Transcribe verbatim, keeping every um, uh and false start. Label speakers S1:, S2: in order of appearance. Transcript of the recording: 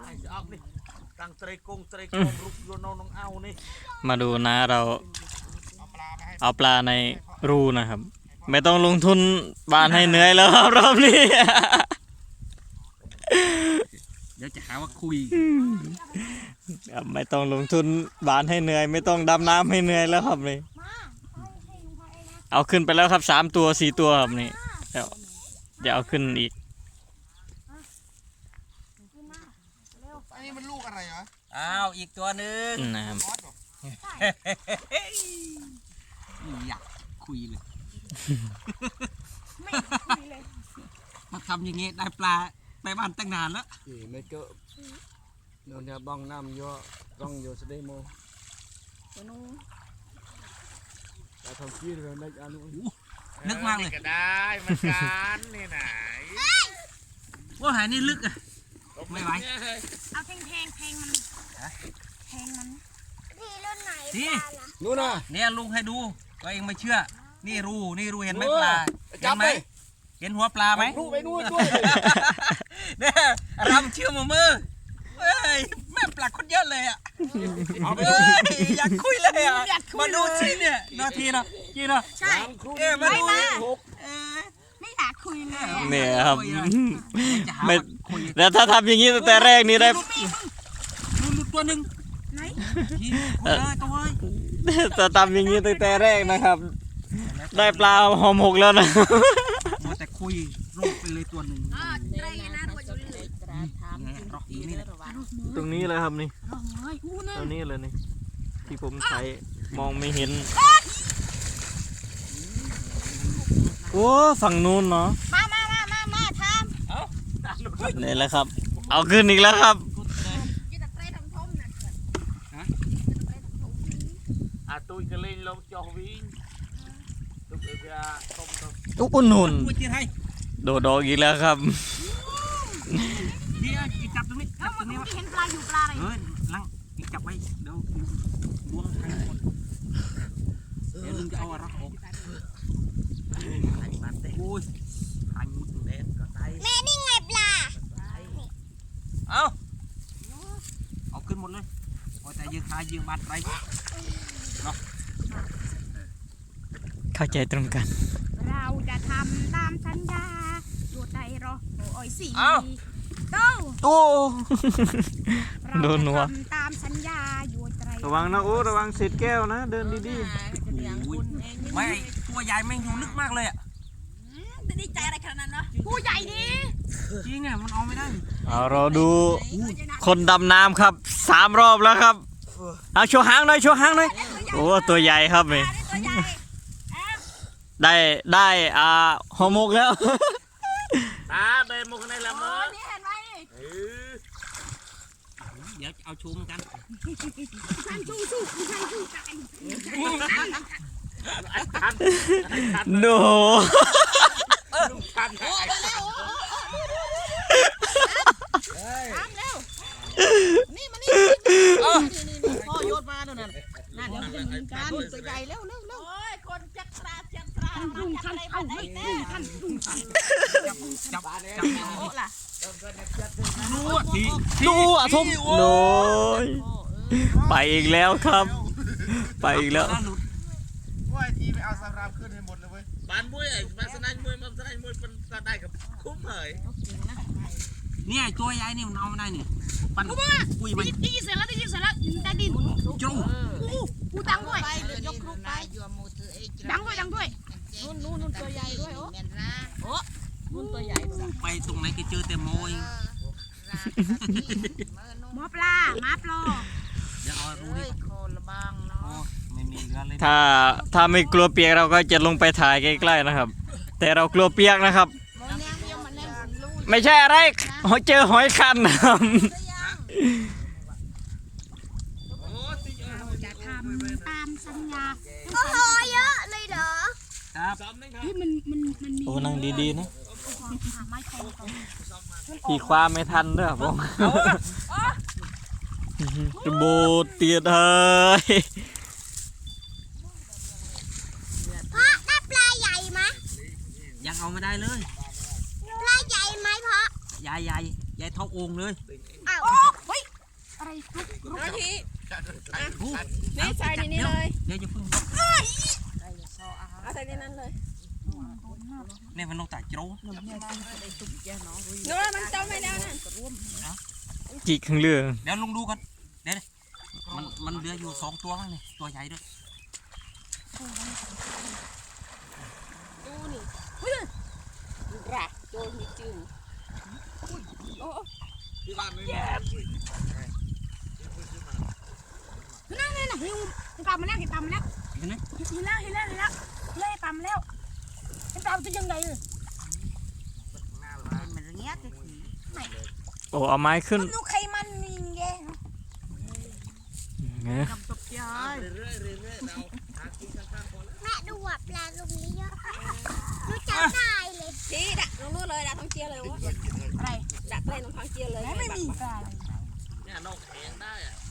S1: จะออกนี่ตังเตรกงเตรกงรุกโยนน้องเอานี่
S2: มาดูนะเราเอาปลาในรูนะครับไม่ต้องลงทุนบานให้เหนื่อยแล้วครับรอบนี้
S1: เดี๋ยวจะหาว่าคุย
S2: ไม่ต้องลงทุนบานให้เหนื่อยไม่ต้องดำน้ำให้เหนื่อยแล้วครับนี่เอาขึ้นไปแล้วครับสามตัวสี่ตัวครับนี่เดี๋ยวจะเอาขึ้นอีก
S3: อันนี้มันลูกอะไรเหรอ
S1: อ้าวอีกตัวหนึ่ง
S2: นะครับ
S1: อยากคุยเลยมาทำอย่างงี้ได้ปลาไปบ้านตั้งนานแล้ว
S3: ไม่เจอโดนจะบ้องน้ำเยอะต้องโยสเดโมแต่ทำขี้เลยไม่อันนู้
S1: นึกมากเลย
S3: ก็ได้มันการนี่ไหน
S1: ว่าหายนี่ลึกอะไม่ไหว
S4: เอาแทงแทงแทงมันแทงมันพี่รุ่นไหน
S1: นี่
S3: นู่นน่ะ
S1: เนี่ยลุงให้ดูก็เองไม่เชื่อนี่รูนี่รูเห็นไหมปลาเห็นไหมเห็นหัวปลาไหม
S3: รูไปนู่นด้วย
S1: เนี่ยรำเชื่อมือมือเฮ้ยแม่ปลาคนเยอะเลยอ่ะเอาไปอยากคุยเลยอ่ะมาดูสิเนี่ยนาทีนะกี่นะ
S4: ใช่
S1: เอ๊ะมาดู
S4: ไม่อยากคุยเลย
S2: เนี่ยครับไม่แล้วถ้าทำอย่างนี้ตั้งแต่แรกนี่ได้
S1: ดูตัวหนึ่งไหน
S2: จะทำอย่างนี้ตั้งแต่แรกนะครับได้ปลาหอมหกแล้วนะ
S1: มาแต่คุยรูปไปเลยตัวหนึ่ง
S2: ตรงนี้เลยครับนี่ตรงนี้เลยนี่ที่ผมใช้มองไม่เห็นโอ้ฝั่งนู้นเนาะ
S4: มามามามามาทำ
S2: นี่แหละครับเอาขึ้นอีกแล้วครับ
S3: อาตุยกระเลงลงจอวิ่งตุกเอือต้มต้ม
S2: อุ๊นนุนโดดดอกอีกแล้วครับ
S1: นี่จับตรงนี้จับตรงนี้
S4: เห็นปลาอยู่ปลาอะไร
S1: เฮ้ยลังจับไว้เดี๋ยวล้วงทางคนเดี๋ยวลุงจะเอาอะไรออกโอ้ยทางมุดเด็ดก็ตาย
S4: แม่นี่ไงปลา
S1: เอาเอาขึ้นหมดเลยโอ้แต่ยืนขายืนบาดไรเนาะ
S2: เข้าใจตรงกัน
S4: เราจะทำตามสัญญาตัวใจรอโอ้ยสี่โต
S2: โตโดนหัว
S4: ตามสัญญาอยู่ใจ
S2: ระวังนะโอ้ระวังเศษแก้วนะเดินดี
S1: ๆไม่ตัวใหญ่แม่งอยู่ลึกมากเลยอ่ะ
S4: จะดีใจอะไรขนาดนั้นเนาะผู้ใหญ่ดี
S1: จริงอ่ะมันเอาไม่ได้
S2: เอาเราดูคนดำน้ำครับสามรอบแล้วครับเอาโชว์หางหน่อยโชว์หางหน่อยโอ้ตัวใหญ่ครับนี่ได้ได้อ่าห่อหมกแล้ว
S3: ตาเบนมุกในละมั้ง
S4: นี่เห็นไหม
S1: เดี๋ยวเอาชูมกัน
S4: ฉันชูชูฉันชูกัน
S2: โน้
S4: ทำเร็วนี่มานี่พ่อโยนมาโน่นน่ะนั่นเดี๋ยวจะยิงกันตัวใหญ่เร็วเร็วเร็วโอ้ยคนจักรจักรลุงท่านเอาไว้แน่ท่านลุงท่าน
S1: จับจับจับโอ้ล่ะ
S2: ดูดูอ่ะทุ่มโน้ยไปอีกแล้วครับไปอีกแล้ว
S3: ว่าทีไปเอาสารามขึ้นให้หมดเลยเว้ยบ้านมวยไอ้บ้านสนามมวยบ้านสนามมวยเป็นกระได้กับคุ้มเลย
S1: เนี่ยตัวใหญ่นี่มันเอาไม่ได้นี่ปั่นคุยมัน
S4: ได้ยินเสร็จแล้วได้ยินเสร็จแล้วได้ดิน
S1: จู
S4: อู้อู้ดังด้วยยกครูไปดังด้วยดังด้วยนู่นนู่นนู่นตัวใหญ่ด้วยโอ้โอ้นู่นตัวใหญ่
S1: ไปตรงไหนก็เจอแต่โมย
S4: หมอปลาหมาปลา
S1: เดี๋ยวเอารู้ดิไม่มีเรือเลย
S2: ถ้าถ้าไม่กลัวเปียกเราก็จะลงไปถ่ายใกล้ๆนะครับแต่เรากลัวเปียกนะครับไม่ใช่อะไรเจอหอยคันครับ
S4: จะทำตามสัญญาโอ้โหเยอะเลยเหรอ
S1: ครับ
S4: เฮ้ยมันมันมันมี
S2: โอ้นั่งดีๆนะพี่คว้าไม่ทันด้วยผมโบเตียดเฮ้ย
S4: พ่อได้ปลาใหญ่ไหม
S1: ยังเอาไม่ได้เลย
S4: ปลาใหญ่ไหมพ่อ
S1: ใหญ่ใหญ่ใหญ่เท่าโอ่งเลย
S4: อ้าวอะไรลุกลุก
S5: นาที
S1: อู้
S5: นี่ใส่ในนี้เลย
S1: เดี๋ยวจะพึ่ง
S5: เอาใส่ในนั้นเลย
S1: เนี่ยมันลงแต่โจ้
S5: นู้นมันจมไปแล้วนั่น
S2: จิกข้างเรือ
S1: เดี๋ยวลุงดูกันเดี๋ยวมันมันเหลืออยู่สองตัวมั้งนี่ตัวใหญ่ด้วย
S5: ดูนี่รักโดนมีจืดโอ้
S3: ที่บ้านไม่มี
S4: นั่นนั่นน่ะเห็นปลามาแล้วเห็นปลามาแล้ว
S1: เห็นไหม
S4: เห็นแล้วเห็นแล้วเห็นแล้วเล่ปลามาแล้วเห็นปลาจะยังไงเออมันเงี้ยจะขี่
S2: โอ้เอาไม้ขึ้น
S4: ดูใครมันนี่ไง
S2: เนี่ย
S4: กำตกใจ
S3: เรื่อยๆเรื่อยๆเราหากินข้างๆพอแล้ว
S6: แม่ดูว่าปลาลงนี้เยอะรู้จักได้เลย
S5: ทีดักลงนู้นเลยดักท้องเจียเลยวะ
S4: อะไร
S5: ดักเล่นท้องเจียเลย
S4: ไม่มีปลาเลย